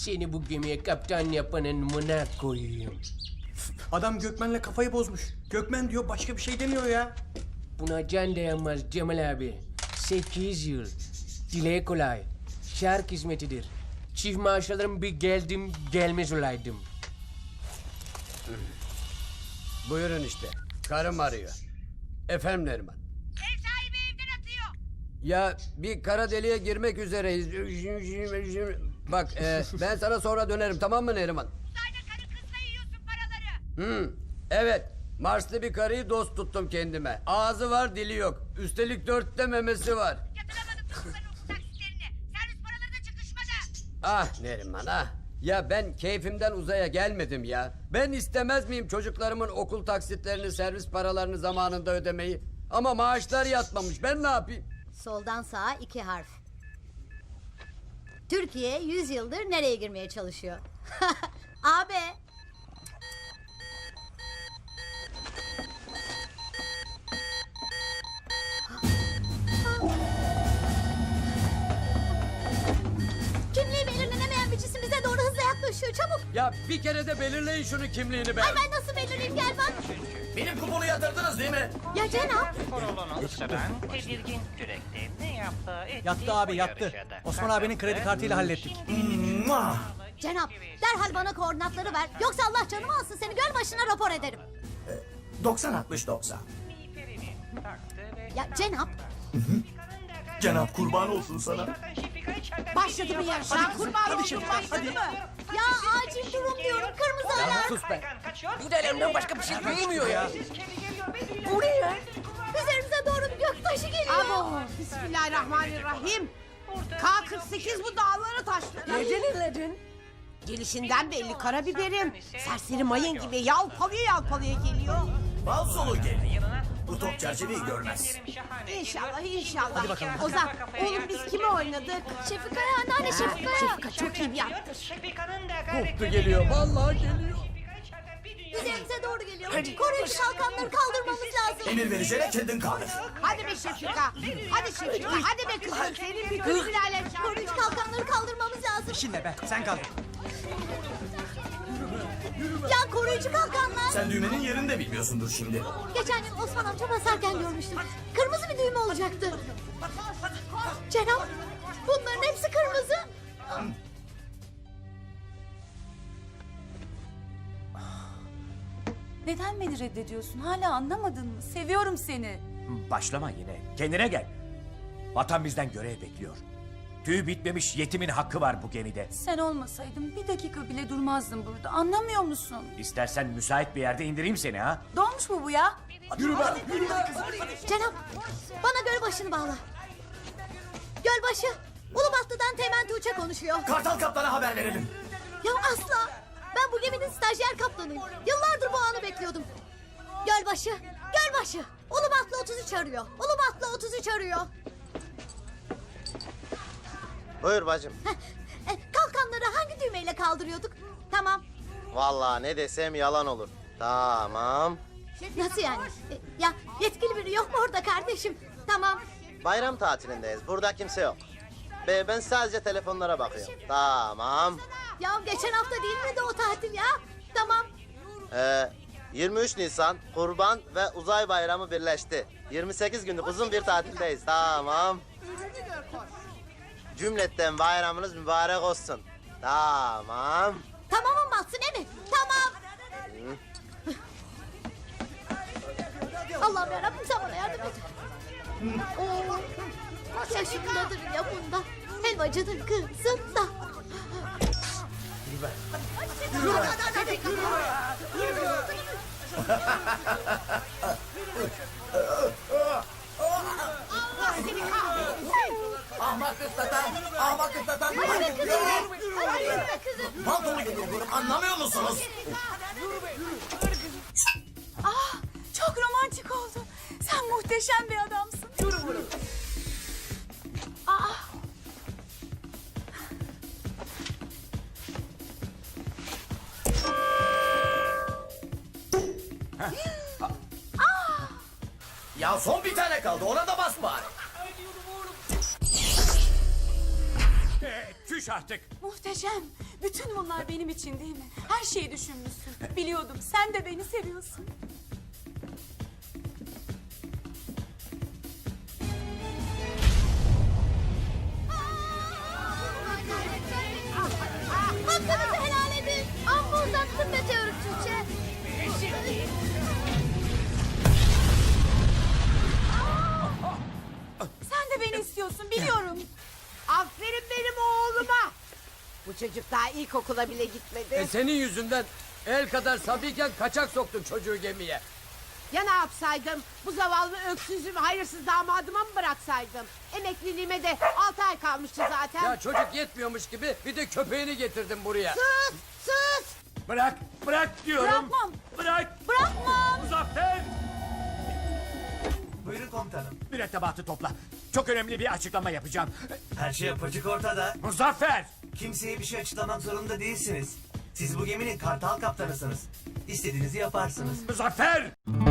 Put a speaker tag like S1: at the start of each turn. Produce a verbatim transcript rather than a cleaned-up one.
S1: Seni bu gemiye kaptan yapanın mına koyayım.
S2: Adam Gökmen'le kafayı bozmuş. Gökmen diyor, başka bir şey demiyor ya.
S1: Buna can dayanmaz Cemal abi. Sekiz yıl. Dile kolay. Şark hizmetidir. Çift maaş alırım bir geldim gelmez olaydım.
S3: Buyurun işte. Karım arıyor. Efendim Neriman.
S4: Ev sahibi evden atıyor.
S3: Ya bir kara deliğe girmek üzereyiz. Bak e, ben sana sonra dönerim, tamam mı Neriman?
S4: Uzayda karı kızla yiyorsun paraları.
S3: Hı, evet. Marslı bir karıyı dost tuttum kendime. Ağzı var, dili yok. Üstelik dörtte memesi var.
S4: Yatıramadım kızların okul taksitlerini. Servis paraları da çıkışmadı.
S3: Ah Neriman ah. Ya ben keyfimden uzaya gelmedim ya. Ben istemez miyim çocuklarımın okul taksitlerini, servis paralarını zamanında ödemeyi? Ama maaşlar yatmamış. Ben ne yapayım?
S5: Soldan sağa iki harf. Türkiye yüz yıldır nereye girmeye çalışıyor? Abi. Kimliği belirlenemeyen bir cisim bize doğru hızla yaklaşıyor. Çabuk.
S3: Ya bir kere de belirleyin şunu kimliğini be.
S5: Ay ben nasıl belirleyeyim, gel bak.
S2: Benim kuponu yatırdınız değil mi?
S5: Ya Cenap.
S6: Korolunu ısıran tedirgin kürekte ne yaptığı ettiği
S2: Yattı abi,
S6: bu
S2: yattı.
S6: yarışada
S2: Osman abinin kredi kartıyla hallettik.
S5: Cenap derhal bana koordinatları ver. Yoksa Allah canımı alsın, seni göl başına rapor ederim.
S7: doksan altmış doksan.
S6: miğferinin taktı ve
S5: Ya Cenap.
S7: Cenap kurban olsun sana.
S4: Başladı mı yarış? Kurban oldum başladı mı?
S5: Ya acil durum diyorum, kırmızı alarm.
S1: Sus be. Bu delemden başka bir şey duymuyor ya. Bu ne ya?
S5: Üzerimize doğru bir göktaşı geliyor.
S4: Abo, bismillahirrahmanirrahim. K kırk sekiz bu dağları taşladı. Neden inledin? Gelişinden belli karabiberim. Serseri mayın gibi yalpalıyor yalpalıyor geliyor.
S7: Bal solu gel. Bu top çerçeveyi görmez.
S4: İnşallah inşallah. Hadi bakalım. Ozan, oğlum biz kimi oynadık?
S5: Şefika'ya, anneanne Şefika'ya.
S4: Şefika çok iyi bir yaptı.
S3: Koptu geliyor, vallahi geliyor.
S5: Üzerimize doğru geliyor. Koruyucu kalkanları kaldırmamız lazım.
S7: Emir vereceğine kendin kaldır.
S4: Hadi be Şefika. Hadi Şefika. Hadi be kızım. Senin bir kız ilerle.
S5: Koruyucu kalkanları kaldırmamız lazım.
S2: Şimdi be, sen kaldır.
S5: Ya koruyucu kalkanlar.
S7: Sen düğmenin yerini de bilmiyorsundur şimdi.
S5: Geçen gün Osman amca basarken görmüştüm. Kırmızı bir düğme olacaktı. Cenap, bunların hepsi kırmızı.
S8: Neden beni reddediyorsun? Hala anlamadın mı? Seviyorum seni.
S9: Başlama yine. Kendine gel. Vatan bizden görev bekliyor. Tüy bitmemiş yetimin hakkı var bu gemide.
S8: Sen olmasaydın bir dakika bile durmazdım burada. Anlamıyor musun?
S9: İstersen müsait bir yerde indireyim seni ha.
S8: Dolmuş mu bu ya?
S9: Yürü be, yürü be.
S5: Cenap, bana gölbaşını bağla. Gölbaşı, Ulubatlı'dan Teğmen Tuğçe konuşuyor.
S7: Kartal kaptana haber verelim.
S5: Ya asla, ben bu geminin stajyer kaptanıyım. Yıllardır bu anı bekliyordum. Gölbaşı, Gölbaşı, Ulubatlı otuz üç arıyor. Ulubatlı otuz üç arıyor.
S10: Buyur bacım.
S5: Heh, e, kalkanları hangi düğmeyle kaldırıyorduk? Tamam.
S10: Vallahi ne desem yalan olur. Tamam.
S5: Nasıl yani? E, ya yetkili biri yok mu orada kardeşim? Tamam.
S10: Bayram tatilindeyiz. Burada kimse yok. Be ben sadece telefonlara bakıyorum. Tamam.
S5: Ya geçen hafta değil miydi o tatil ya? Tamam.
S10: Ee, yirmi üç Nisan Kurban ve Uzay Bayramı birleşti. yirmi sekiz günlük uzun bir tatildeyiz. Tamam. Cümletten bayramınız mübarek olsun. Tamam.
S5: Tamamım batsın değil mi? Tamam. Allah'ım yarabbim sen bana yardım et. Oo, yaşındadır ya bunda. Helvacıdır kızında. Yürü be.
S7: Ahmak ıslatan, ahmak ıslatan.
S5: Hadi be kızım. Hadi yürü be kızım.
S7: Pantolu geliyor, anlamıyor musunuz?
S8: Ah, çok romantik oldu. Sen muhteşem bir adamsın. Ah.
S7: Ya son bir tane kaldı, ona da bas bari.
S9: Ee, Küş artık.
S8: Muhteşem. Bütün bunlar benim için değil mi? Her şeyi düşünmüşsün. Biliyordum sen de beni seviyorsun.
S5: Hakkınızı helal edin. Amma uzattın Meteor Tuğçe.
S8: Sen de beni istiyorsun biliyorum.
S4: Aferin benim oğluma. Bu çocuk daha ilkokula bile gitmedi.
S3: E senin yüzünden el kadar sabiyken kaçak soktun çocuğu gemiye.
S4: Ya ne yapsaydım? Bu zavallı öksüzüm hayırsız damadıma mı bıraksaydım? Emekliliğime de altı ay kalmıştı zaten.
S3: Ya çocuk yetmiyormuş gibi bir de köpeğini getirdin buraya.
S4: Sus! Sus!
S9: Bırak, bırak diyorum.
S8: Bırakmam.
S9: Bırak.
S8: Bırakmam.
S9: Muzaffer!
S7: Buyurun komutanım.
S9: Mürettebatı topla. Çok önemli bir açıklama yapacağım.
S7: Her şey apaçık ortada.
S9: Muzaffer!
S7: Kimseye bir şey açıklamak zorunda değilsiniz. Siz bu geminin kartal kaptanısınız. İstediğinizi yaparsınız.
S9: Muzaffer!